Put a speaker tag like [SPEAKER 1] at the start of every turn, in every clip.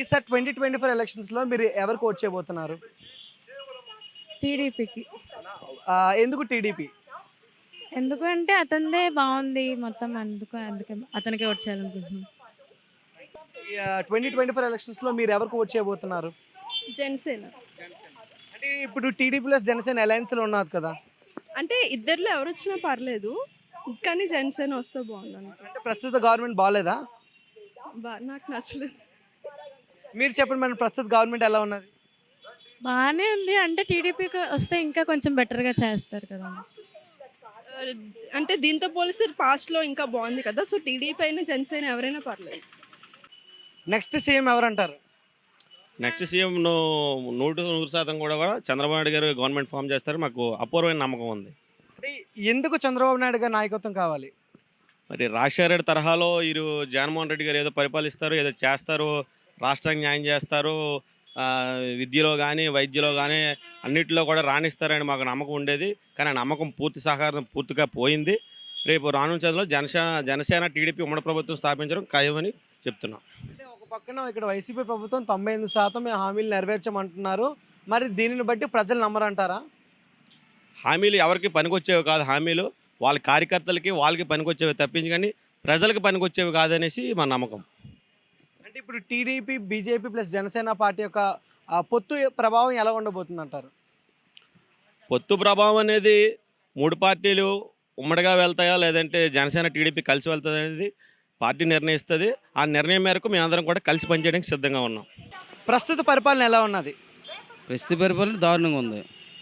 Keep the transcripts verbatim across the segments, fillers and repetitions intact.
[SPEAKER 1] ఈసారి twenty twenty four ఎలక్షన్స్లో మీరు ఎవరికి ఓట్ చేయబోతున్నారు?
[SPEAKER 2] టీడీపీకి.
[SPEAKER 1] ఆ, ఎందుకు టీడీపీ?
[SPEAKER 2] ఎందుకంటే అతనిదే బాగుంది మొత్తం, అందుకు అందుకే అతనికే ఓట్ చేయాలనుకుంటున్నాం.
[SPEAKER 1] ట్వంటీ ట్వంటీ ఫోర్ ఎలక్షన్స్లో మీరు ఎవరికి ఓట్ చేయబోతున్నారు?
[SPEAKER 3] జనసేన.
[SPEAKER 1] అంటే ఇప్పుడు టీడీపీ ప్లస్ జనసేన అలయన్స్లో ఉన్నారు కదా.
[SPEAKER 3] అంటే ఇద్దరిలో ఎవరు వచ్చినా పర్లేదు, కానీ జనసేన వస్తే బాగుంది.
[SPEAKER 1] అంటే ప్రస్తుత గవర్నమెంట్ బాగాలేదా?
[SPEAKER 3] బా నాకు నచ్చలేదు.
[SPEAKER 1] మీరు చెప్పండి మేడం, ప్రస్తుత గవర్నమెంట్ ఎలా ఉన్నది?
[SPEAKER 2] బాగానే ఉంది, అంటే టీడీపీకి వస్తే ఇంకా కొంచెం బెటర్గా చేస్తారు కదా.
[SPEAKER 3] ఆ, అంటే దీంతో పోలిస్తే పాస్ట్లో ఇంకా బాగుంది కదా, సో టీడీపీ అయినా జనసేన ఎవరైనా పర్లేదు.
[SPEAKER 1] నెక్స్ట్ సీఎం ఎవరంటారు?
[SPEAKER 4] నెక్స్ట్ సీఎం నూట నూరు శాతం కూడా కూడా చంద్రబాబు నాయుడు గారు గవర్నమెంట్ ఫామ్ చేస్తారు, మాకు అపూర్వమైన నమ్మకం ఉంది.
[SPEAKER 1] అంటే ఎందుకు చంద్రబాబు నాయుడు గారి నాయకత్వం కావాలి?
[SPEAKER 4] మరి రాజశేఖర రెడ్డి తరహాలో వీరు జగన్మోహన్ రెడ్డి గారు ఏదో పరిపాలిస్తారు, ఏదో చేస్తారు, రాష్ట్రానికి న్యాయం చేస్తారు, ఆ, విద్యలో కానీ వైద్యలో కానీ అన్నింటిలో కూడా రాణిస్తారని మాకు నమ్మకం ఉండేది. కానీ ఆ నమ్మకం పూర్తి సహకారం పూర్తిగా పోయింది. రేపు రానున్న చదువులో జనసేన జనసేన టీడీపీ ఉమ్మడి ప్రభుత్వం స్థాపించడం ఖాయమని చెప్తున్నాం.
[SPEAKER 1] అంటే ఒక పక్కన ఇక్కడ వైసీపీ ప్రభుత్వం తొంభై ఎనిమిది శాతం మేము హామీలు నెరవేర్చమంటున్నారు, మరి దీనిని బట్టి ప్రజలు నమ్మరంటారా?
[SPEAKER 4] హామీలు ఎవరికి పనికొచ్చేవి కాదు, హామీలు వాళ్ళ కార్యకర్తలకి వాళ్ళకి పనికొచ్చేవి తప్పించి కానీ ప్రజలకు పనికొచ్చేవి కాదనేసి మా నమ్మకం.
[SPEAKER 1] అంటే ఇప్పుడు TDP BJP plus Janasena party యొక్క ఆ, పొత్తు ప్రభావం ఎలా ఉండబోతుంది అంటారు?
[SPEAKER 4] పొత్తు ప్రభావం అనేది మూడు పార్టీలు ఉమ్మడిగా వెళ్తాయా లేదంటే జనసేన టీడీపీ కలిసి వెళ్తుంది అనేది పార్టీ నిర్ణయిస్తుంది. ఆ నిర్ణయం మేరకు మేమందరం కూడా కలిసి పనిచేయడానికి సిద్ధంగా ఉన్నాం.
[SPEAKER 1] ప్రస్తుత పరిపాలన ఎలా ఉన్నది?
[SPEAKER 5] ప్రస్తుత పరిపాలన దారుణంగా ఉంది.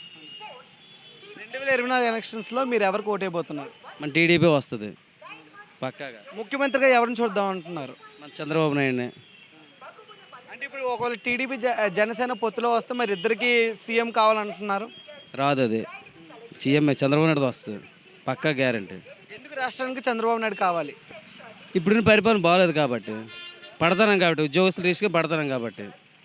[SPEAKER 1] రెండు వేల ఇరవై నాలుగు ఎలక్షన్స్లో మీరు ఎవరికి ఓటైపోతున్నారు?
[SPEAKER 5] మన టీడీపీ వస్తుంది పక్కాగా.
[SPEAKER 1] ముఖ్యమంత్రిగా ఎవరిని చూద్దాం అంటున్నారు?
[SPEAKER 5] మన చంద్రబాబు నాయుడునే.
[SPEAKER 1] అంటే ఇప్పుడు ఒకవేళ టీడీపీ జ జనసేన పొత్తులో వస్తే మరి ఇద్దరికి సీఎం కావాలంటున్నారు.
[SPEAKER 5] రాదు, అది సీఎం చంద్రబాబు నాయుడు వస్తుంది పక్కా గ్యారంటీ.
[SPEAKER 1] ఎందుకు రాష్ట్రానికి చంద్రబాబు నాయుడు కావాలి?
[SPEAKER 5] ఇప్పుడున్న పరిపాలన బాగలేదు కాబట్టి, పడతాం కాబట్టి, ఉద్యోగస్తులు తీసుకుని పడతాం కాబట్టి.